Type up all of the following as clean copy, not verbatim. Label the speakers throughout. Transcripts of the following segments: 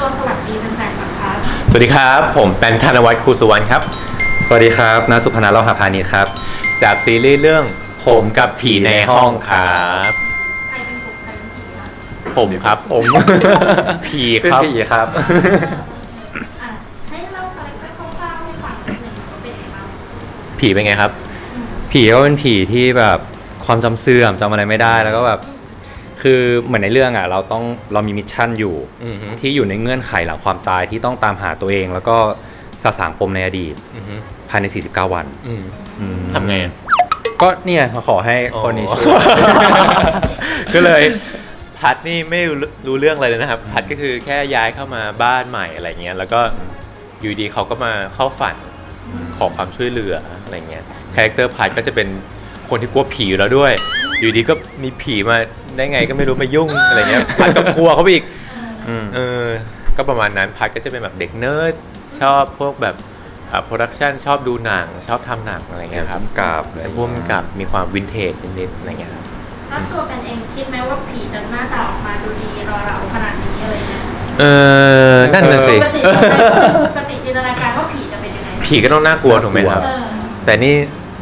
Speaker 1: สวัสดีแฟนๆก่อนครับ
Speaker 2: สวัสดีครับผมเป็นธนวัฒน์ครูสุวรรณครับ
Speaker 3: สวัสดีครับณสุพนันท์ เลาหะพานิชครับ
Speaker 2: จากซีรีส์เรื่องผมกับผีในห้องครับ
Speaker 1: ใครเป็นผมใครเป็นผีครับ
Speaker 2: ผมครับผม ผีครับ
Speaker 3: เป็นผีครับ
Speaker 1: อ่ะให้เล่าคาแรคเตอร์คร่าวๆให้ฟังนิดนึงว่าเป็นยังไงบ้าง
Speaker 2: ผีเป็นไงครับ
Speaker 3: ผีก็เป็นผีที่แบบความจำเสื่อมจำอะไรไม่ได้แล้วก็แบบคือเหมือนในเรื่องอ่ะเรามีมิชชั่นอยู่
Speaker 2: อือฮึ
Speaker 3: ที่อยู่ในเงื่อนไขหลังความตายที่ต้องตามหาตัวเอง แล้วก็สะสางปมในอดีต
Speaker 2: อือฮึ
Speaker 3: ภายใน 49 วัน
Speaker 2: อืม
Speaker 3: อืม
Speaker 2: ทำไงอะ
Speaker 3: ก็เนี่ยมาขอให้คนนี้ช่วย
Speaker 2: ก็เลยพัดนี่ไม่รู้เรื่องอะไรเลยนะครับ พัดก็คือแค่ย้ายเข้ามาบ้านใหม่อะไรเงี้ยแล้วก็อยู่ดีเขาก็มาเข้าฝันขอความช่วยเหลืออะไรเงี้ยคาแรคเตอร์พัดก็จะเป็นคนที่กลัวผีอยู่แล้วด้วย อยู่ดีก็มีผีมาได้ไงก็ไม่รู้มายุ่งอะไรเงี้ยพัดก็กลัวเขาไปอีก
Speaker 3: อืม
Speaker 2: ก็ประมาณนั้นพัดก็จะเป็นแบบเด็กเนิร์ดชอบพวกแบบโปรดักชันชอบดูหนังชอบทำหนังอะไรเงี้ยครับ
Speaker 3: กราบเลย
Speaker 2: เป็นพวกกับมีความวินเทจนิดๆอะไรเงี้ยครับ
Speaker 1: แล้วตัวเป็นเองคิดไหมว่าผีจะหน้าตาออกมาดูดีรอเราขนาดนี้อะไรเงี้ย
Speaker 2: นั่นน่ะสิ
Speaker 1: ปกติจินตนาการว่าผีจะเป็นยังไง
Speaker 2: ผีก็ต้องน่ากลัวถูกไหมครับ
Speaker 1: เออ
Speaker 2: แต่นี่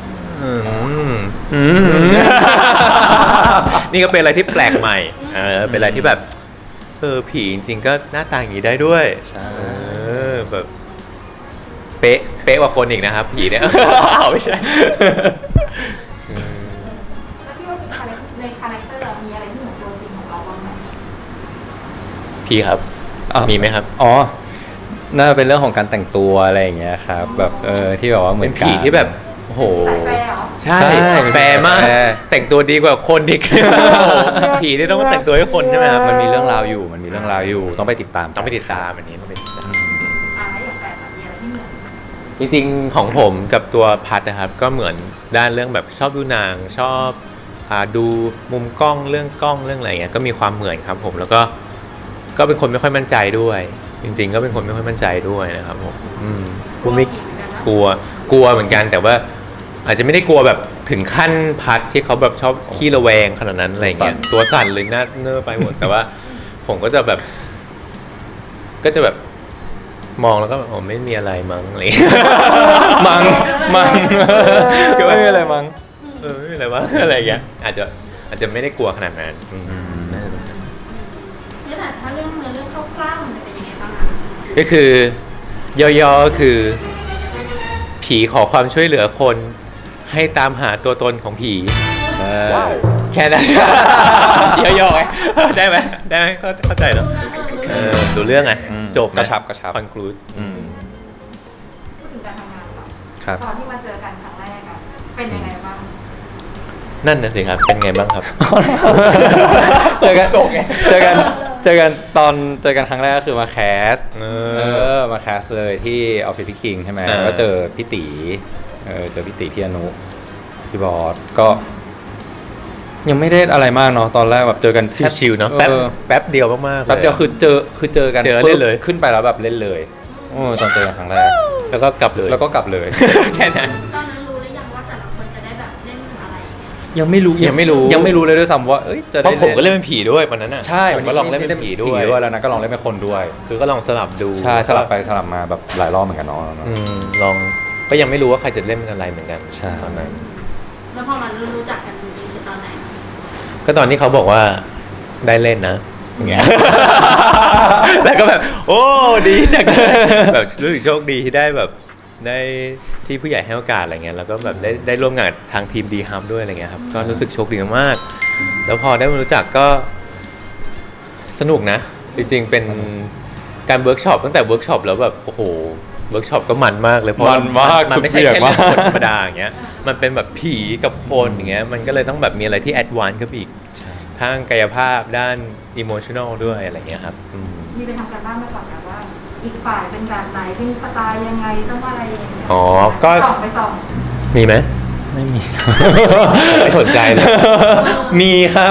Speaker 2: นี่ก็เป็นอะไรที่แปลกใหม่เป็นอะไรที่แบบผีจริงๆก็หน้าตาอย่างนี้ได้ด้วย
Speaker 3: ใช่
Speaker 2: แบบเป๊ะกว่าคนอีกนะครับ ผีเนี่ย ไม่ใช่
Speaker 1: แล้วพี่ว่าในคาแรคเตอร์มีอะไรที่เหมือนตัวจริงของเราบ้างไหม
Speaker 2: ผีครับ มีไหมครับ
Speaker 3: อ๋อน่าจะเป็นเรื่องของการแต่งตัวอะไรอย่างเงี้ยครับแบบที่แบบว่าเหมื
Speaker 2: เป็
Speaker 3: อน น
Speaker 2: ผีที่แบบโอ้โห
Speaker 1: สายแฟร์เหรอ
Speaker 2: ใช่
Speaker 3: ใช่
Speaker 2: แฟร์มาก
Speaker 3: แฟร์
Speaker 2: แต่งตัวดีกว่าคนอีก ผีนี่ต้องมาแต่งตัวให้คนใช่ไหมครับ
Speaker 3: มันมีเรื่องราวอยู่ต้องไปติดตาม
Speaker 2: ต้องไปติดตามอันนี้ต้องไปติดตาม
Speaker 1: อ่าแล้วอย่างแฟร์มีอะไรที่เหมือน
Speaker 2: จริงๆของผมกับตัวพัดนะครับ ก็เหมือนด้านเรื่องแบบชอบดูหนังชอบดูมุมกล้องเรื่องอะไรเงี้ยก็มีความเหมือนครับผมแล้วก็เป็นคนไม่ค่อยมั่นใจด้วย จริงๆ ก็เป็นคนไม่ค่อยมั่นใจด้วยนะครับผมกูไม่กลัวเหมือนกันแต่ว่าอาจจะไม่ได้กลัวแบบถึงขั้นพัดที่เขาแบบชอบขี้ระแวงขนาดนั้นอะไรเงี้ยตัวสั่นเลยหน้าเนื้อไปหมดแต่ว่า ผมก็จะแบบมองแล้วก็แบบผมไม่มีอะไรมั้งอะไรเงี้ย
Speaker 3: มัง
Speaker 2: ก็ไม่มีอะไร
Speaker 3: มัง
Speaker 2: ไม่มีอะไรมั้งอะไรเงี้ยอาจจะไม่ได้กลัวขนาดนั้นน่าจะเป็น
Speaker 1: เนี่ยแต่ถ้าเรื่องเรื่องคร่าวๆมันจะเป็นยังไงบ้างอะ
Speaker 2: ก็คือย่อๆก็คือ ผีขอความช่วยเหลือคนให้ตามหาตัวตนของผี
Speaker 3: ใช่
Speaker 2: แค่นั้น ย่อๆไงได้ไหมเข้าใจเนาะดูเรื่องไงจบ
Speaker 3: กระชับ
Speaker 2: คอนคลูด
Speaker 1: พูดถึงการทำงานก่อน
Speaker 3: ครับ
Speaker 1: ตอนที่มาเจอกันครั้งแรกอะเป็นยังไงบ้าง
Speaker 2: นั่นน่ะสิครับ เป็นไงบ้างครับ
Speaker 3: เจอกันตอนเจอกันครั้งแรกก็คือมาแคสมาแคสเลยที่ออฟฟิศพี่คิงใช่ไหมแล้วก็เจอพี่ตีเจอพี่ตีพี่อนุพี่บอสก็ยังไม่ได้อะไรมากเนาะตอนแรกแบบเจอกัน
Speaker 2: ชิวๆเนาะแป๊บเดียวมากๆ
Speaker 3: แป๊บเดียวคือเจอกัน
Speaker 2: เจอเล่นเลย
Speaker 3: ขึ้นไปแล้วแบบเล่นเลยตอนเจอกันครั้งแรก
Speaker 2: แล้วก็กลับเลย
Speaker 3: แล้วก็กลับเลย
Speaker 2: แค่นั้น
Speaker 1: ตอนนั้นรู้หรือยังว่าแต่ละคนจะได้แบบเล่นอะไรอย่างเงี้ย
Speaker 3: ยังไม่รู้เลยด้วยซ้ำว่าจะ
Speaker 2: เพ
Speaker 3: ได้
Speaker 2: ราะผมก็เล่นเป็นผีด้วยวันนั้นน่ะ
Speaker 3: ใช่
Speaker 2: ผมก็ลองเล่นเป็นผีด้วย
Speaker 3: แล้วนะก็ลองเล่นเป็นคนด้วย
Speaker 2: คือก็ลองสลับดู
Speaker 3: ใช่สลับไปสลับมาแบบหลายรอบเหมือนกันเนาะ
Speaker 2: ลองก็ยังไม่รู้ว่าใครจะเล่นเป็นอะไรเหมือนกัน
Speaker 3: ใช่
Speaker 2: ตอนนั้น
Speaker 1: แล้วพอมันรู้จักกันจริงๆคือตอนไหน
Speaker 2: ก็ตอนที่เขาบอกว่าได้เล่นนะอย่างเงี้ย แล้วก็แบบ โอ้ดีจังเลยแบบรู้สึกโชคดีที่ได้แบบได้ที่ผู้ใหญ่ให้โอกาสอะไรเงี้ยแล้วก็แบบได้ร่วมงานกับทางทีมดีฮัมด้วยอะไรเงี้ยครับก็รู้สึกโชคดีมากๆแล้วพอได้มารู้จักก็สนุกนะ จริงๆเป็นการเวิร์กช็อปตั้งแต่เวิร์กช็อปแล้วแบบโอ้โหเวิร์กช็อปก็มันมากเลยเพราะ
Speaker 3: มันมาก
Speaker 2: มันไม่ใช่แค่
Speaker 3: สุด
Speaker 2: เรื่อง
Speaker 3: มาก
Speaker 2: คนธรรมดาอย่างเงี้ยมันเป็นแบบผีกับคนอย่างเงี้ยมันก็เลยต้องแบบมีอะไรที่แอดวานซ์ขึ้นไปอีกทางกายภาพด้านอิโมชัน a ลด้วยอะไรเงี้ยครับ
Speaker 1: มีไปทำการบ้านมาก่อนนะว่า อีกฝ่ายเป็นแบบไหนเป็นสไตล์ยังไงต้องอะไรอย่างเงี้ย
Speaker 2: อ๋อก็
Speaker 1: ส่อง
Speaker 2: มีไหม
Speaker 3: ไม่มี
Speaker 2: ไม่สนใจเลย
Speaker 3: มีครับ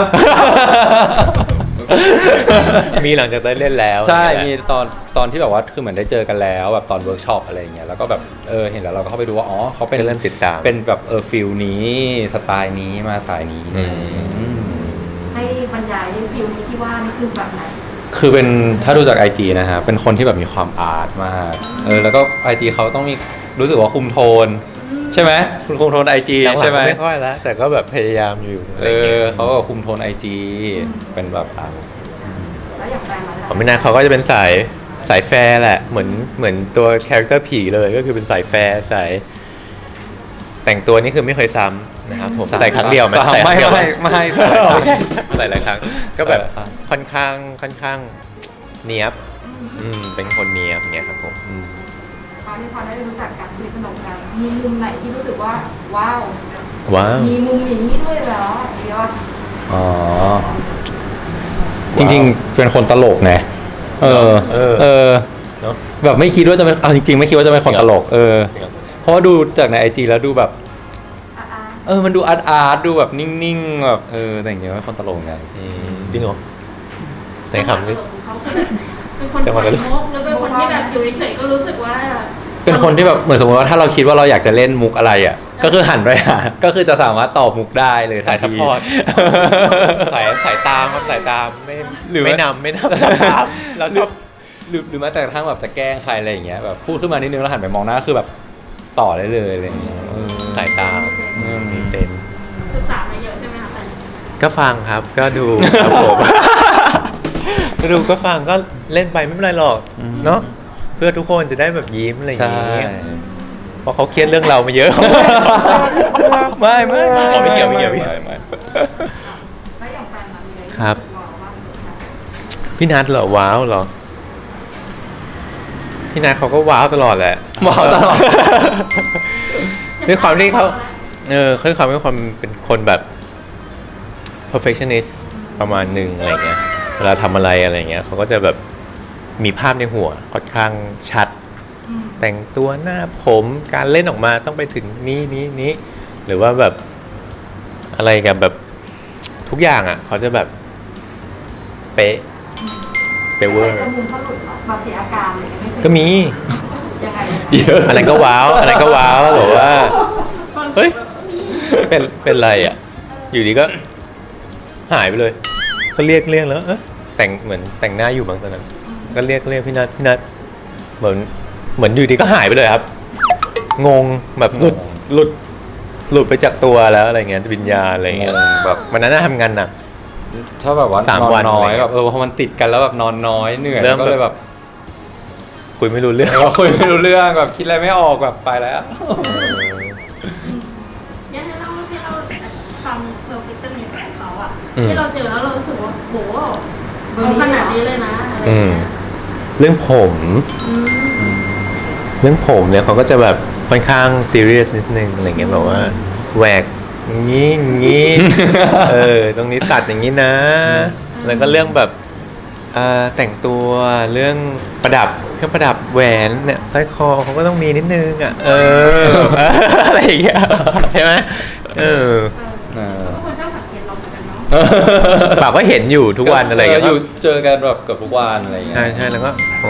Speaker 2: มีหลังจากได้เล่นแล้ว
Speaker 3: ใช่
Speaker 2: นี่
Speaker 3: มี
Speaker 2: แหละ
Speaker 3: ตอนที่แบบว่าคือเหมือนได้เจอกันแล้วแบบตอนเวิร์กช็อปอะไรอย่างเงี้ยแล้วก็แบบเห็นแล้วเราก็เข้าไปดูว่าอ๋อเขาเป็น
Speaker 2: ก็เริ่มติดตาม
Speaker 3: เป็นแบบฟิลนี้สไตล์นี้มาสายนี้
Speaker 1: ให้บรรยายให้ฟิลนี้ที่ว่านี่คือแบบไหน
Speaker 3: คือเป็นถ้าดูจาก IG นะฮะเป็นคนที่แบบมีความอาร์ตมากแล้วก็ IG เขาต้องมีรู้สึกว่าคุมโทน ใช่ไหมคุณคุมโทน IG
Speaker 2: หลังๆ
Speaker 3: ใช่ไหม
Speaker 2: ไม่ค่อยแล้วแต่ก็แบบพยายามอยู่อะไรเงี้ย
Speaker 3: เขาก็คุมโทน IG เป็นแบบ
Speaker 1: แล้วอย่างแฟนมาแล้ว
Speaker 2: ของพี่นาเขาก็จะเป็นสายแฟร์แหละเหมือนตัวคาแรคเตอร์ผีเลยก็คือเป็นสายแฟร์สายแต่งตัวนี่คือไม่เคยซ้ำนะครับผมใส่ครั้งเดียวไหมใส่ครั้งเดียวไหม
Speaker 3: ไม่
Speaker 2: ไม่ใช่ใส่หลายครั้งก็แบบค่อนข้างเนียบเป็นคนเนียบเงี้ยครับผม
Speaker 1: ตอนที่พอได้รู้จักกันสนิทสนมกันมีมุมไหนที่รู้สึกว่าว้าว มีมุมอย่างนี้ด้วยเหรอเดี๋ยว
Speaker 3: อ๋อจริงๆเป็นคนตลกไงเนาะแบบไม่คิดว่าจะเป็นเอาจริงๆไม่คิดว่าจะเป็นคนตลกเพราะว่าดูจากใน IG แล้วดูแบบมันดูอาร์ตดูแบบนิ่งๆแบบแต่อย่างเงี้ยว่าคนตลกไง
Speaker 2: จริงเหรอในคำนี้
Speaker 4: เป็นคนขายมุกหรือเป็นคนที่แบบอยู่เฉยๆก็รู้สึกว่า
Speaker 3: เป็นคนที่แบบเหมือนสมมติว่าถ้าเราคิดว่าเราอยากจะเล่นมุกอะไรอ่ะก็คือหันไปหาก็คือจะสามารถตอบมุกได้เลย
Speaker 2: สายซัพพอร์ตสายตามครับสายตามไม่นำตามเราชอบ
Speaker 3: หรือแม้แต่กระทั่งแบบจะแกล้งใครอะไรอย่างเงี้ยแบบพูดขึ้นมานิดนึงแล้วหันไปมองหน้าคือแบบต่อได้เลยอะไรอย่างเงี้ย
Speaker 2: สายตามีเซน
Speaker 4: ศึกษามาเยอะใช่ไหมคะ
Speaker 2: ก็ฟังครับก็ดูครับผมก็ดูก็ฟังก็เล่นไปไม่เป็นไรหรอกเนาะเพื่อทุกคนจะได้แบบยิ้มอะไรอย่างงี้เพราะเขาเครียดเรื่องเรามาเยอะไม่เกี่ยว
Speaker 1: แล้วอย่างแฟนมามีอะไร
Speaker 2: ครับพี่นัทเหรอว้าวเหรอพี่นัทเขาก็ว้าวตลอดแหละ
Speaker 3: ว้าวตลอด
Speaker 2: ด้วยความที่เขาด้วยความเป็นคนแบบ perfectionist ประมาณหนึ่งอะไรเงี้ยเวลาทำอะไรเงี้ยเขาก็จะแบบมีภาพในหัวค่อนข้างชัดแต่งตัวหน้าผมการเล่นออกมาต้องไปถึงนี้หรือว่าแบบอะไรกับแบบทุกอย่างอ่ะเขาจะแบบเป๊ะเวอร์
Speaker 1: แบบเสียอาการอะไรไม่
Speaker 2: ก็มี
Speaker 1: ยังไง
Speaker 2: อะไรก็ว้าวบอกว่าเฮ้ยเป็นไรอ่ะอยู่ดีก็หายไปเลยก็เรียกแล้วแต่งเหมือนแต่งหน้าอยู่บางตอนนั้นก็เรียกพี่นัทเหมือนอยู่ดีก็หายไปเลยครับงงแบบหลุดไปจากตัวแล้วอะไรเงี้ยวิญญาณอะไรเงี้ยแบบวันนั้นน่าทำงานหนัก
Speaker 3: ถ้าแบบว่า
Speaker 2: 3 วัน
Speaker 3: น้อยแบบพอมันติดกันแล้วแบบนอนน้อยเหนื่อยก็เลยแบบ
Speaker 2: คุยไม่รู้เรื่อง
Speaker 3: แบบคิดอะไรไม่ออกแบบไปแล้ว
Speaker 4: เนี่ยที่เราความเพอร์เฟคชั่นในแฟนเขาอะที่เราเจอแล้วเรารู้สึกว่าโหเขาขนาดนี้เลยนะ
Speaker 2: เรื่องผมเนี่ยเขาก็จะแบบค่อนข้างซีเรียสนิดนึงอะไรเงี้ยแบบว่าแหวกงี้ตรงนี้ตัดอย่างนี้นะแล้วก็เรื่องแบบแต่งตัวเรื่องประดับเครื่องประดับแหวนเนี่ยสร้อยคอเขาก็ต้องมีนิดนึงอ่ะอะไรอย่างเงี้ยใช่ไหม
Speaker 4: ทุกคนชอบสังเกตเราเหมือนกันเนาะ
Speaker 2: ปากก็เห็นอยู่ทุกวันอะไรอย่างเงี้ย
Speaker 3: อยู่เจอกันแบบเกือบทุกวันอะไรอย่างเงี้ย
Speaker 2: ใช่แล้วก็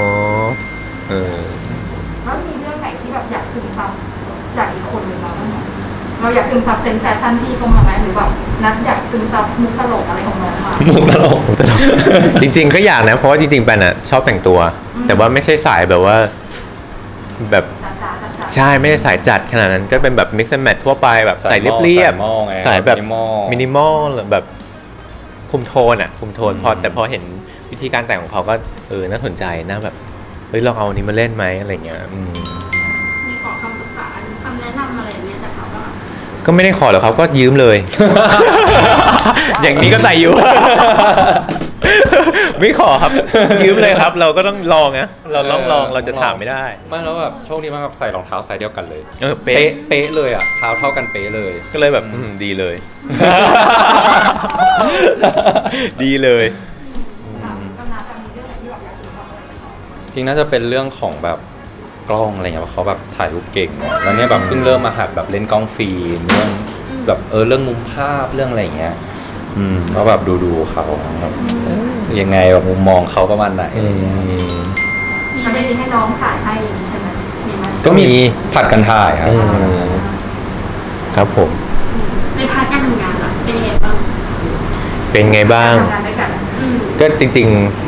Speaker 1: แล้วมีเรื่องไหนที่แบบอยากซึมซับจากอีกคนหนึ่งเราบ้างไหมเราอยากซึมซับเซนส์แฟชั่นที่เขามาไหมหรือแบบนัดอยากซึมซับมุกตลกอะไรของน้องมา
Speaker 2: มุกตลกจริงๆก็อยากนะเพราะว่าจริงๆแปนชอบแต่งตัวแต่ว่าไม่ใช่สายแบบว่าแบบใช่ไม่ได้สายจัดขนาดนั้นก็เป็นแบบ mix and match ทั่วไปแบบใส่เรียบๆสายแบบมินิมอลหรือแบบคุมโทนแต่พอเห็นวิธีการแต่งของเขาก็น่าสนใจน่าแบบเฮ้ยลองเอาอันนี้มาเล่นไหมอะไรเงี้ย
Speaker 4: มีขอคำปรึกษาคำแนะนำอะไรเงี้ยจากเขาบ้าง
Speaker 2: ก็ไม่ได้ขอหรอกเขาก็ยืมเลย อย่างนี้ก็ใส่อยู่ ไม่ขอครับยืมเลยครับเราก็ต้องลองนะเราลองเราจะถามไม่ได้
Speaker 3: ไม่แล้วแบบโชคดีมากแบบใส่รองเท้าไซส์เดียวกันเลย
Speaker 2: เป๊
Speaker 3: ะเลยอ่ะเท้าเท่ากันเป๊ะเลย
Speaker 2: ก็เลยแบบดีเลยดีเลย
Speaker 3: จริงน่าจะเป็นเรื่องของแบบกล้องอะไรเงี้ยเขาแบบถ่ายรูปเก่งแล้วเนี่ยแบบเพิ่งเริ่มมาหัดแบบเล่นกล้องฟิล์มเรื่องแบบเรื่องมุมภาพเรื่องอะไรเงี้ยก็แบบดูเขาแบบยังไงแบบมุมมองเขาประมาณไหน
Speaker 1: มีอะไรให้น้องถ่ายให้ใช่ไหม
Speaker 3: ก็มีผัดกันถ่าย
Speaker 2: ครับผม
Speaker 4: ในพาร์ทการทำงานเป็นยังไงบ้าง
Speaker 2: ก็จริงๆ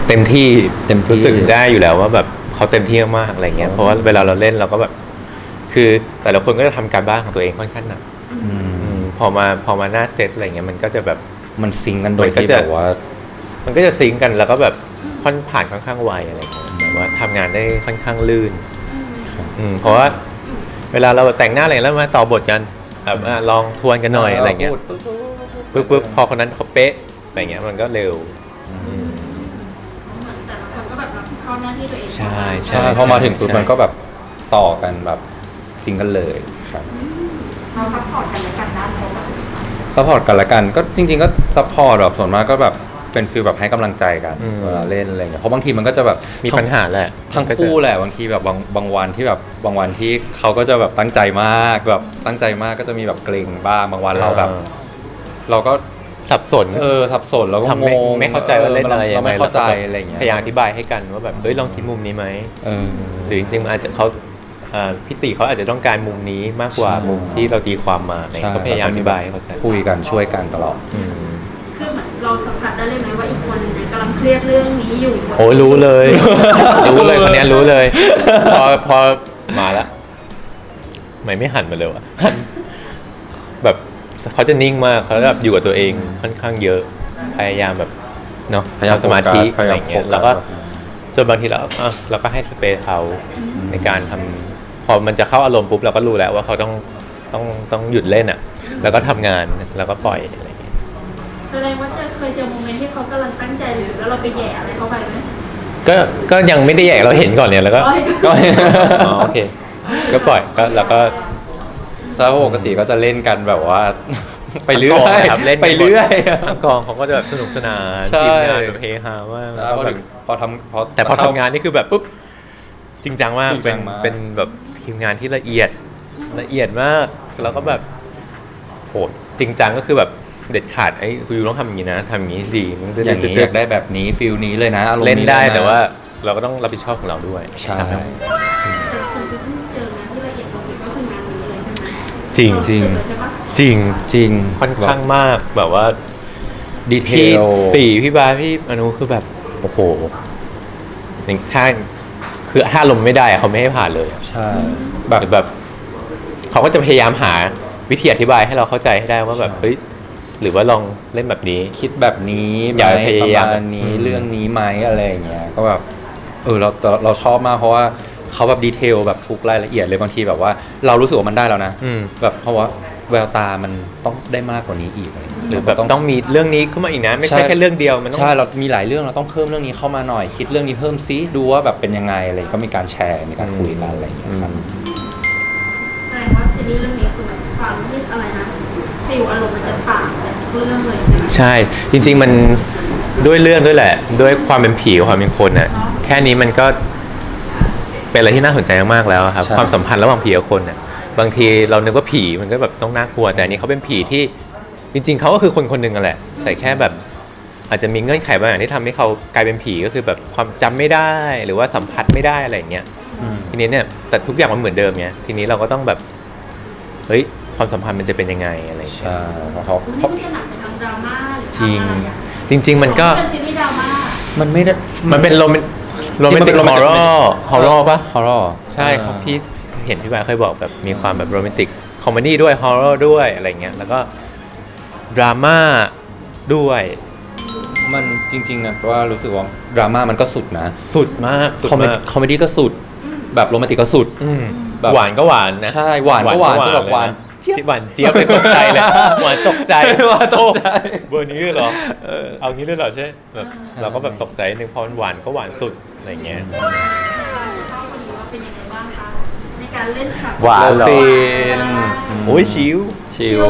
Speaker 2: เต็มที่
Speaker 3: เต็มที่
Speaker 2: รู้สึกได้อยู่แล้วว่าแบบเขาเต็มที่มากๆอะไรเงี้ยเพราะว่าเวลาเราเล่นเราก็แบบ คือแต่ละคนก็จะทำการบ้านของตัวเองค่อนข้างหนัก
Speaker 3: อืม
Speaker 2: พอมาหน้าเซตอะไรเงี้ยมันก็จะแบบ
Speaker 3: มันซิงก์กันโดย
Speaker 2: มันก็
Speaker 3: ที่
Speaker 2: จะ
Speaker 3: แบบว่า
Speaker 2: มันก็จะซิงก์กันแล้วก็แบบผ่านค่อนข้างไวอะไรเงี้ยแบบว่าทำงานได้ค่อนข้างลื่น เพราะว่าเวลาเราแต่งหน้าอะไรแล้วมาต่อบทกันแบบลองทวนกันหน่อยอะไรเงี้ยปุ๊บพอคนนั้นเขาเป๊ะอะไรเงี้ยมันก็เร็ว
Speaker 4: เหมือนแต่ละคนก็แบบรับผิดชอบหน้าที่ตัวเอง
Speaker 2: ใช่
Speaker 3: ใช่พอมาถึงจุดมันก็แบบต่อกันแบบซิงก์กันเลยครับ
Speaker 1: เราซัพพอร์ตกันและกันนะเพราะว่า
Speaker 3: ซัพพอร์ตกันละกันก็จริง ๆ ก็ซัพพอร์ตแบบส่วนมากก็แบบเป็นฟีลแบบให้กำลังใจกันเวลาเล่นอะไรอย่างเงี้ยเพราะบางทีมันก็จะแบบ
Speaker 2: มีปัญหาแหละ
Speaker 3: ทั้งคู่แหละบางทีแบบบางวันที่แบบบางวันที่เขาก็จะแบบตั้งใจมากแบบตั้งใจมากก็จะมีแบบเกรงบ้างบางวันเราแบบ เราก็
Speaker 2: สับสน
Speaker 3: สับสนแล้วก็
Speaker 2: ทำ
Speaker 3: งง
Speaker 2: ไม่เข้าใจว่าเล่นอะไรยัง
Speaker 3: เรา
Speaker 2: ไง
Speaker 3: ไม่เข้าใจ
Speaker 2: แล้วก็แบบ
Speaker 3: อะไรอย่างเงี้ย
Speaker 2: พยายามอธิบายให้กันว่าแบบเฮ้ยลองคิดมุมนี้ไหม
Speaker 3: เออ
Speaker 2: หรือจริงๆมันอาจจะเขาพี่ติเขาอาจจะต้องการมุมนี้มากกว่า
Speaker 3: ใช่
Speaker 2: มุมที่เราตีความมาอะไร
Speaker 3: ใช่
Speaker 2: ก็พยายามอธิบายให้เข้าใจ
Speaker 3: คุยกันช่วยกันตลอด
Speaker 2: อืม
Speaker 4: คือเหมือนเราสัมผัสได้เลยไหมว่าอีกคนเนี่ยกำลังเครียดเรื่องนี้อยู่
Speaker 2: โอ้รู้เลย รู้เลยคนเนี้ยรู้เลย พอมาละไม่หันมาเลยวะหันแบบเขาจะนิ่งมากเขาแบบอยู่กับตัวเองค่อนข้างเยอะ พยายามแบบเนาะ
Speaker 3: พยายาม
Speaker 2: ทำสมาธิ
Speaker 3: โฟกัส
Speaker 2: อะไรอย่างเงี้ย
Speaker 3: พยายามโฟกัส
Speaker 2: แล้วก็จนบางทีเราก็ให้สเปซเขาในการทำพอมันจะเข้าอารมณ์ปุ๊บเราก็รู้แล้วว่าเขาต้องหยุดเล่นอ่ะ แล้วก็ทำงานแล้วก็ปล่อยอะไรอย่างเงี้ย
Speaker 4: แสดงว่าเคยเจอโมเมนต์ที่เขากำลังตั้งใจหรือแล้วเราไปแหย่อะไรเข้าไปไหม
Speaker 2: ก็ยังไม่ได้แยกเราเห็นก่อนเนี่ยแล้วก็
Speaker 4: อ๋อ
Speaker 2: ก็อ๋อโอเค ก็ปล่อยก็แล้วก็
Speaker 3: ถ้าปกติก็จะเล่นกันแบบว่า ไปเรื่อ
Speaker 2: ทั้งกอง
Speaker 3: ย
Speaker 2: ครับเล่น
Speaker 3: ไปเรื่อย
Speaker 2: ทั้งกองเขาก็จะแบบสนุกสนาน
Speaker 3: ใช่
Speaker 2: ทีมงานแบบเฮฮามาก
Speaker 3: แล้
Speaker 2: แล้ว ว
Speaker 3: พ
Speaker 2: ก็
Speaker 3: อ
Speaker 2: แบ
Speaker 3: ถึ
Speaker 2: บ
Speaker 3: งพอ
Speaker 2: แต่พอทำงานนี่คือแบบปุ๊บจริงจังมาก
Speaker 3: จริงจังมาก
Speaker 2: เป็นแบบทีมงานที่ละเอียดมากแล้วก็แบบโหจริงจังก็คือแบบเด็ดขาดไอ้คุณยูต้องทำอย่างนี้นะทำอย่างนี้ดีมันจะ
Speaker 3: อย่างนี้อยากได้แบบนี้ฟิลนี้เลยนะอารมณ์
Speaker 2: เล่นได้
Speaker 3: ลยะ
Speaker 2: แต่ว่าเราก็ต้องรับผิดชอบของเราด้วย
Speaker 3: ใช่
Speaker 2: ทำให้
Speaker 4: แต่คนที่เพิ่งเจองานที่ละเอียดสุดก็คืองานนี้เลยใช่ไหม
Speaker 2: จริง
Speaker 3: จริง
Speaker 4: เาใช่ปะ
Speaker 2: จริง
Speaker 3: จริง
Speaker 2: ค่อนข้างมากแบบว่า
Speaker 3: ดีเท
Speaker 2: พี่
Speaker 3: ล
Speaker 2: ตีพี่บาสพี่อนุคือแบบโอ้โหอย่างถ้าคือถ้าลมณ์ไม่ได้อะเขาไม่ให้ผ่านเลย
Speaker 3: ใช่
Speaker 2: แบบเขาก็จะพยายามหาวิธีอธิบายให้เราเข้าใจให้ได้ว่าแบบเฮ้ยหรือว่าลองเล่นแบบนี้
Speaker 3: คิดแบบนี้ไหม
Speaker 2: อย่าพยายาม
Speaker 3: ประมาณนี้เรื่องนี้ไหมอะไรอย่างเงี้ยก็แบบเราชอบมากเพราะว่าเขาแบบดีเทลแบบทุกรายละเอียดเลยบางทีแบบว่า เรารู้สึกว่ามันได้แล้วนะ
Speaker 2: อืม
Speaker 3: แบบเพราะว่าแววตามันต้องได้มากกว่านี้อีกอะไรอย่างเงี้ย
Speaker 2: หรือแบบต้องมีเรื่องนี้ขึ้นมาอีกนะ ไม่ใช่แค่เรื่องเดียวมันต้อง
Speaker 3: ใช่เรามีหลายเรื่องเราต้องเพิ่มเรื่องนี้เข้ามาหน่อย คิดเรื่องนี้เพิ่มซิดูว่าแบบเป็นยังไงอะไรก็มีการแชร์มีการคุยกันอะไรอย่างเงี้ยครับ
Speaker 4: แสดงว่าซีรีส์เรื่องนี้คือแบบความที่อะไรนะฟิลอารมณ์มันจะต่างจากทุกเรื่องเลยใช่ไหม
Speaker 2: ใช่จริง ๆมันด้วยเรื่องด้วยแหละ ด้วยความเป็นผีกับความเป็นคนน่ะแค่นี้มันก็เป็นอะไรที่น่าสนใจมากๆแล้วครับ
Speaker 3: ใช่
Speaker 2: ความสัมพันธ์ระหว่างผีกับคนน่ะบางทีเรานึกว่าผีมันก็แบบต้องน่ากลัวแต่อันนี้เขาเป็นผีที่จริง ๆเขาก็คือคนคนหนึ่งนั่นแหละ แต่แค่แบบอาจจะมีเงื่อนไขบางอย่างที่ทำให้เขากลายเป็นผีก็คือแบบความจำไม่ได้หรือว่าสัมผัสไม่ได้อะไรอย่างเงี้ย
Speaker 3: อืม
Speaker 2: ทีนี้เนี่ยแต่ทุกอย่างมันเหมือนเดิมไงทีนี้เราก็ต้องแบบเฮ้ยความสัมพันธ์มันจะเป็นยังไงอะไรอย่างเงี้ย
Speaker 3: ใช่เพราะเขา
Speaker 4: มันไม่ได้หนักไปทางดราม่าหรือ
Speaker 2: จริง
Speaker 4: ทางอะไรอะ
Speaker 2: จริง ๆ มันก็
Speaker 4: เป็นซีรีส์ดราม่า
Speaker 3: มันไม่ได้
Speaker 2: มันเป็นโรแมนติกฮอร์เรอร์ปะ
Speaker 3: ฮอร์เรอร์
Speaker 2: ใช่ครับพี่เห็นพี่บายเคยบอกแบบมีความแบบโรแมนติกคอมเมดี้ด้วยฮอร์เรอร์ด้วยอะไรเงี้ยแล้วก็ดราม่าด้วย
Speaker 3: มันจริงๆนะว่ารู้สึกว่าดราม่ามันก็สุดนะ
Speaker 2: สุดมากสุด
Speaker 3: คอมเม
Speaker 2: มาก
Speaker 3: คอมเมดี้ก็สุด แบบโรแมนติกก็สุด
Speaker 2: อืม
Speaker 3: แบบ
Speaker 2: หวานก็หวานนะ
Speaker 3: ใช่หวานก็หวานจะแบบหวาน
Speaker 2: หวานเจี๊ยบเลยตกใจเลยหวานตกใจ
Speaker 3: หวานตกใจ
Speaker 2: โอ้เบอร์นี้เลยเหรอเอางี้เลยเหรอใช่แบบเราก็แบบตกใจนึงพอมันหวานก็หวานสุดอะไรเงี้ย
Speaker 4: เข้าพอดีว่าเป็นยังไงบ้างคะในการเล่นฉาก
Speaker 2: หวานเหรอ
Speaker 3: ซีน
Speaker 2: โอ้ยชิว
Speaker 3: ชิล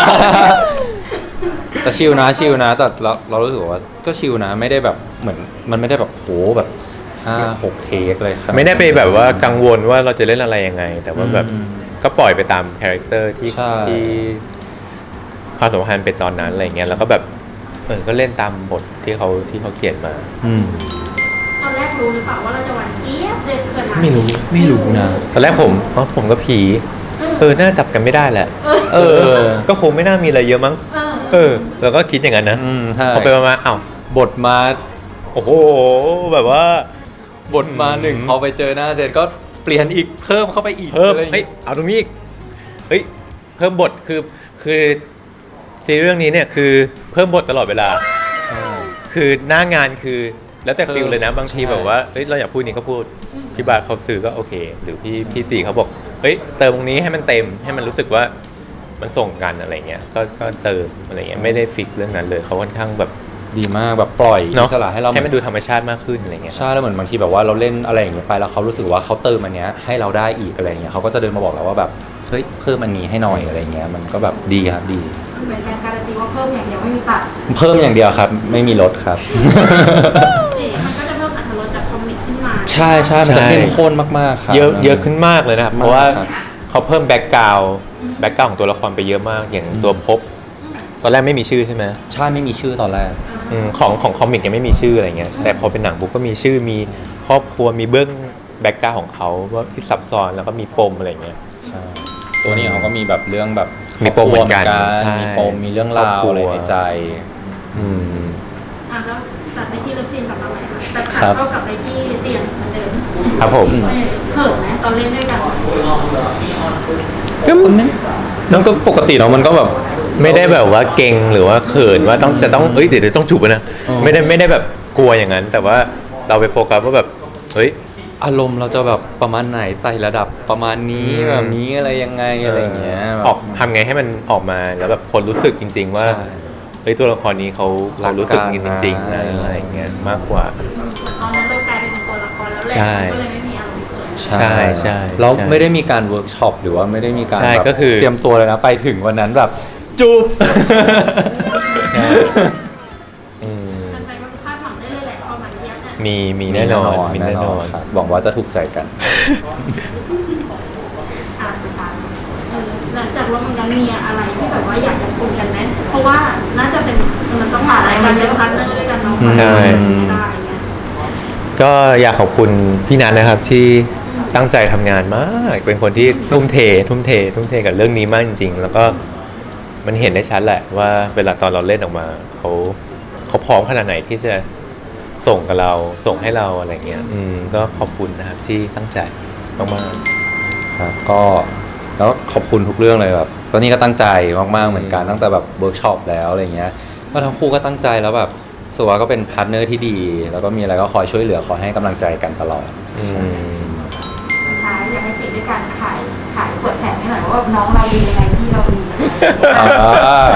Speaker 3: แต่ชิลนะแต่เรารู้สึกว่าก็ชิลนะไม่ได้แบบเหมือนมันไม่ได้แบบโหแบบ5-6 เทคเลยครับ
Speaker 2: ไม่ได้ไปแบบว่ากังวลว่าเราจะเล่นอะไรยังไง แต่ว่าแบบ
Speaker 3: อืม
Speaker 2: ก็ปล่อยไปตามคาแรคเตอร์ที่
Speaker 3: ใช่
Speaker 2: ที่ความสัมพันธ์เป็นตอนนั้นอะไรเงี้ยแล้วก็แบบก็เล่นตามบทที่เขาเขียนมา
Speaker 3: อืม
Speaker 4: ตอนแรกรู้หรือเปล่าว่าเราจะหวานเจี๊ยบเลยขนาด
Speaker 2: ไม่รู้นะ ตอนแรกผมกับผีน่าจับกันไม่ได้แหละ ก็คงไม่น่ามีอะไรเยอะมั้ง
Speaker 4: เออ
Speaker 2: เราก็คิดอย่างนั้นนะ
Speaker 3: ใช่
Speaker 2: พอไปมาอ้าว
Speaker 3: บทมา
Speaker 2: โอ้โหแบบว่า
Speaker 3: บทมาหนึ่งพอไปเจอหน้าเสร็จก็เปลี่ยนอีกเพิ่มเข้าไปอีก
Speaker 2: เพิ่ม
Speaker 3: อะไรอย่าง
Speaker 2: เฮ้ย
Speaker 3: เงี้ย
Speaker 2: เอาตรงนี้อีกเฮ้ยเพิ่มบทคือซีรีส์เรื่องนี้เนี่ยคือเพิ่มบทตลอดเวลา
Speaker 3: ใช่
Speaker 2: คือหน้างานคือแล้วแต่ฟิลเลยนะบางที
Speaker 3: ใช่
Speaker 2: แบบว่าเฮ้ยเราอยากพูดนี้ก็พูดพี่บาทเขาซื้อก็โอเค หรือพี่ตีเขาบอกเฮ้ยเติมตรงนี้ให้มันเต็มให้มันรู้สึกว่ามันส่งกันอะไรเงี้ยก็เติมอะไรเงี้ยไม่ได้ฟิกเรื่องนั้นเลยเขาค่อนข้างแบบ
Speaker 3: ดีมากแบบปล่อย
Speaker 2: เนาะ
Speaker 3: อิสระให้เรา
Speaker 2: ให้มันดูธรรมชาติมากขึ้นอะไรเงี้ย
Speaker 3: ใช่แล้วเหมือนบางทีแบบว่าเราเล่นอะไรอย่างเงี้ยไปแล้วเขารู้สึกว่าเขาเติมอันเนี้ยให้เราได้อีกอะไรเงี้ยเขาก็จะเดินมาบอกเราว่าแบบเฮ้ยเพิ่มอันนี้ให้หน่อยอะไรเงี้ยมันก็แบบดีครับดี
Speaker 1: คือเป็นการการันตีว่าเพิ่มอย่างเดียวไม่มีตัด
Speaker 3: เพิ่มอย่างเดียวครับไม่มีลดครับ
Speaker 4: มันก็จะเพิ่มอรรถรสจากคอมิกขึ้นมา
Speaker 3: ใช่ใช่มันจะเข้มข้นมากๆครับ
Speaker 2: เยอะขึ้นมากเลยนะครับ
Speaker 3: มาก
Speaker 2: เพราะว่า
Speaker 3: ครับ
Speaker 2: เขาเพิ่มแบ็กกราวของตัวละครไปเยอะมากอย่างตัวภพตอนแรกไม่มีชื่อใช่ไหม
Speaker 3: ใช่ไม่มีชื่อตอนแรก
Speaker 2: ของคอมิกยังไม่มีชื่ออะไรเงี้ยแต่พอเป็นหนังปุ๊บก็มีชื่อมีครอบครัวมีเบื้องแบ็กกราวของเขาว่าที่ซับซ้อนแล้วก็มีปมอะไรเงี้ย
Speaker 3: ใช่ตัวนี้เขาก็มีแบบเรื่องแบบ
Speaker 2: มีปมเหมือนกัน
Speaker 3: ครบครัว
Speaker 2: ใช่
Speaker 3: มีปมมีเรื่องราว
Speaker 2: ครอบครัว
Speaker 3: อะไรในใจ
Speaker 2: อืม
Speaker 4: แล้วตัดไปที่เลิฟซีนกลับมาใหม่ค่ะแต่ขา
Speaker 3: ครับ
Speaker 4: ก็กลับไปที่เตียงเหมือนเดิม
Speaker 2: ครับผม
Speaker 4: เขินไหมตอนเล่นด้วยกัน
Speaker 3: ก็มันก็ปกติเนาะมันก็แบบ
Speaker 2: ไม่ได้แบบว่าเก่งหรือว่าเขินว่าจะต้องเดี๋ยวต้องจูบนะ
Speaker 3: อ๋อ
Speaker 2: ไม่ได้แบบกลัวอย่างนั้น แต่ว่าเราไปโฟกัสว่าแบบเฮ้ย
Speaker 3: อารมณ์เราจะแบบประมาณไหนไต่ระดับประมาณนี้
Speaker 2: อืม
Speaker 3: แบบนี้อะไรยังไงอะไรอย่างเงี้ยแบบ
Speaker 2: ออกทำไงให้มันออกมาแล้วแบบคนรู้สึกจริง ๆ ว่า
Speaker 3: ใช่
Speaker 2: เฮ้ยตัวละครนี้เขา
Speaker 3: รักกัน
Speaker 2: รู้สึกจริงๆนะ
Speaker 3: นะ
Speaker 2: อะไรอย่างเงี้ยมากกว่า
Speaker 4: ตอนนั้นเรากลายเป็นตัวละครแล้วแหละ
Speaker 2: ใช่
Speaker 4: ก็เลยไม่มีอารมณ์เขิน
Speaker 2: ใช่ใช่
Speaker 3: แล้ว
Speaker 2: ใช่
Speaker 3: ไม่ได้มีการเวิร์กช็อปหรือว่าไม่ได้มีการ
Speaker 2: ใช่
Speaker 3: แบบ
Speaker 2: ก็คือ
Speaker 3: เตรียมตัวเลยนะไปถึงวันนั้นแบบจูบ
Speaker 2: อืม
Speaker 4: แฟนๆก็คาดหวังได้เลยแหละประมาณเทียบเนี่ย
Speaker 2: มีแน่นอนมีแน่นอน
Speaker 3: ครับหวังว่าจะถูกใจกัน
Speaker 4: สุดท้ายหลังจากร่วมงานมีอะไรที่แบบว่าอยากจะคุยกันไหมเพราะว่าน่าจะเป็นมันต้องผ่านอะไรมาเยอะพาร์ทเนอร์ด้วยกันเนาะ
Speaker 2: ใช่
Speaker 4: ไม่ได้เงี้ย
Speaker 2: ก็อยากขอบคุณพี่นัทนะครับที่ตั้งใจทำงานมาก เป็นคนที่ทุ่มเทกับเรื่องนี้มากจริง ๆ แล้วก็มันเห็นได้ชัดแหละว่าเวลาตอนเราเล่นออกมาเขาพร้อมขนาดไหนที่จะส่งกับเราส่งให้เราอะไรเงี้ยก็ขอบคุณนะครับที่ตั้งใจมาก
Speaker 3: ครับก็แล้วขอบคุณทุกเรื่องเลยแบบตอนนี้ก็ตั้งใจมากๆเหมือนกันตั้งแต่แบบเวิร์กช็อปแล้วอะไรเงี้ยก็ทั้งคู่ก็ตั้งใจแล้วแบบสุว่าก็เป็นพาร์ทเนอร์ที่ดี แล้วก็มีอะไรก็คอยช่วยเหลือคอยให้กำลังใจกันตลอด
Speaker 2: ๆอืม
Speaker 1: สุดท้ายอยากให้ติดด้วยการขายเปิดแผงให้หน่อยว่าน้องเราดียังไงที่เราดียังไง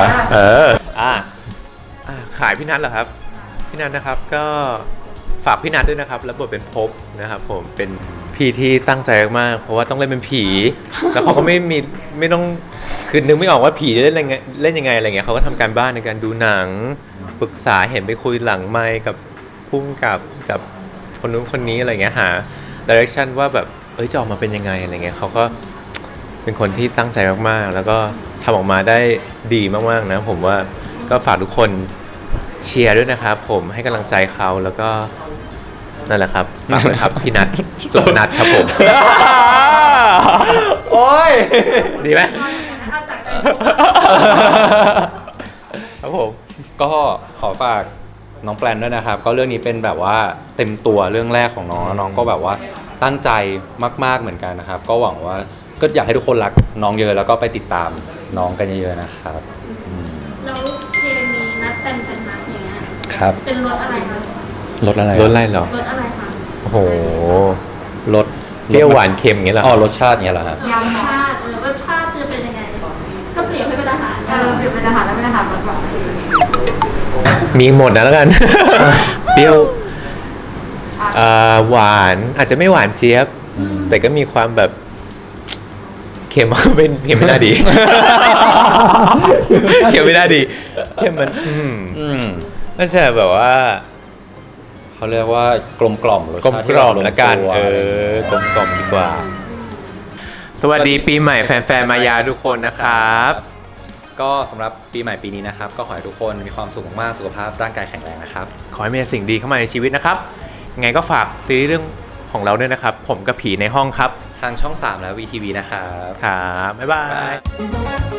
Speaker 2: ขายพี่นัทเหรอครับ พี่นัทนะครับก็ฝากพี่นัทด้วยนะครับแล้วบทเป็นภพนะครับผมเป็นพี่ที่ตั้งใจมากๆเพราะว่าต้องเล่นเป็นผี แล้วเขาก็ไม่ต้องคือนึกไม่ออกว่าผีจะเล่นยังไงอะไรเงี้ยเขาก็ทำการบ้านในการดูหนังปรึกษาเห็นไปคุยหลังไมค์กับพุ่มกับคนนู้นคนนี้อะไรเงี้ยหาดิเรกชันว่าแบบจะออกมาเป็นยังไงอะไรเงี้ยเขาก็เป็นคนที่ตั้งใจมากๆแล้วก็ทำออกมาได้ดีมากๆนะผมว่าก็ฝากทุกคนเชียร์ด้วยนะครับผมให้กำลังใจเขาแล้วก็นั่นแหละครับฝากด้วยครับ พี่นัทสุพนัทครับผม
Speaker 3: โอ้ย
Speaker 2: ดีไหม
Speaker 4: เอาจากใจ
Speaker 2: ครับผม
Speaker 3: ก็ขอฝากน้องแปลนด้วยนะครับ ก็เรื่องนี้เป็นแบบว่าเต็มตัวเรื่องแรกของน้องแล้วน้องก็แบบว่าตั้งใจมากๆเหมือนกันนะครับ ก็หวังว่าก็อยากให้ทุกคนรักน้องเยอะแล้วก็ไปติดตามน้องกันเยอะๆนะครับอืม
Speaker 4: แล้วเคมีนัดเป็นนัดอย่างเงี้ย
Speaker 3: ครับ
Speaker 4: เป็นรสอะไรคะ
Speaker 3: รสอะไร
Speaker 2: รสอะไรเหรอ
Speaker 4: รสอะไรคะ
Speaker 2: โอ้โห
Speaker 3: รส
Speaker 2: เปรี้ยวหวานเค็มอย่างเงี้ยเหรอ
Speaker 3: อ๋อรสชาติเงี้ยเหรอฮะ
Speaker 4: รสชาติรสชาติจะเป็นยังไงก็เปรียบให้เป็นอาหาร
Speaker 1: เปลี่ยนเป็นอาหารแล้วเป็นอาหารหวานๆ
Speaker 2: มีหมดนะแล้วกัน เปรี้ยวหวานอาจจะไม่หวานเจี๊ยบ แต่ก็มีความแบบเค็ม เค็มไม่น่าดี เค็มไม่น่าดีเค็มมันน่าจะแบบว่า
Speaker 3: เขาเรียกว่ากลมกล่อมรส
Speaker 2: กลม
Speaker 3: ชาติ
Speaker 2: ก
Speaker 3: ที่
Speaker 2: ล่อม
Speaker 3: แบบ
Speaker 2: ละกัน
Speaker 3: ตัวอะไรอย่างเงี้ย
Speaker 2: กลมกล่อมดีกว่า สวัสดีปีใหม่แฟนๆมายาทุกคนนะครับ
Speaker 3: ก็สำหรับปีใหม่ปีนี้นะครับ ก็ขอให้ทุกคนมีความสุขมากๆสุขภาพร่างกายแข็งแรงนะครับ
Speaker 2: ขอให้มีสิ่งดีเข้ามาในชีวิตนะครับยังไงก็ฝากซีรีส์เรื่องของเราด้วยนะครับ ผมกับผีในห้องครับ
Speaker 3: ทางช่อง 3 และ VTV นะครับ
Speaker 2: ครับบ๊ายบาย